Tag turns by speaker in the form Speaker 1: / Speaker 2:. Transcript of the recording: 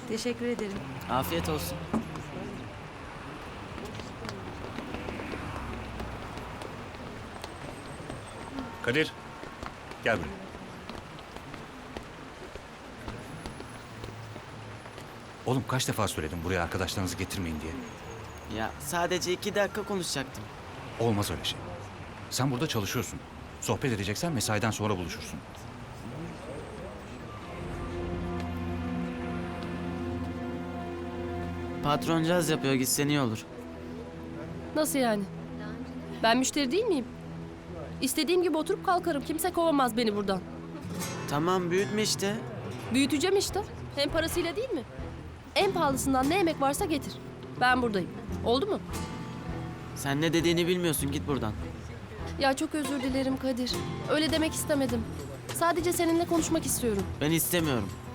Speaker 1: Teşekkür ederim.
Speaker 2: Afiyet olsun.
Speaker 3: Kadir, gel buraya. Oğlum kaç defa söyledim buraya arkadaşlarınızı getirmeyin diye.
Speaker 2: Ya sadece 2 dakika konuşacaktım.
Speaker 3: Olmaz öyle şey. Sen burada çalışıyorsun. Sohbet edeceksen mesaiden sonra buluşursun.
Speaker 2: Patron caz yapıyor, gitsen iyi olur.
Speaker 4: Nasıl yani? Ben müşteri değil miyim? İstediğim gibi oturup kalkarım. Kimse kovamaz beni buradan.
Speaker 2: Tamam, büyütme işte.
Speaker 4: Büyüteceğim işte. Hem parasıyla değil mi? En pahalısından ne yemek varsa getir. Ben buradayım. Oldu mu?
Speaker 2: Sen ne dediğini bilmiyorsun, git buradan.
Speaker 4: Ya çok özür dilerim Kadir. Öyle demek istemedim. Sadece seninle konuşmak istiyorum.
Speaker 2: Ben istemiyorum.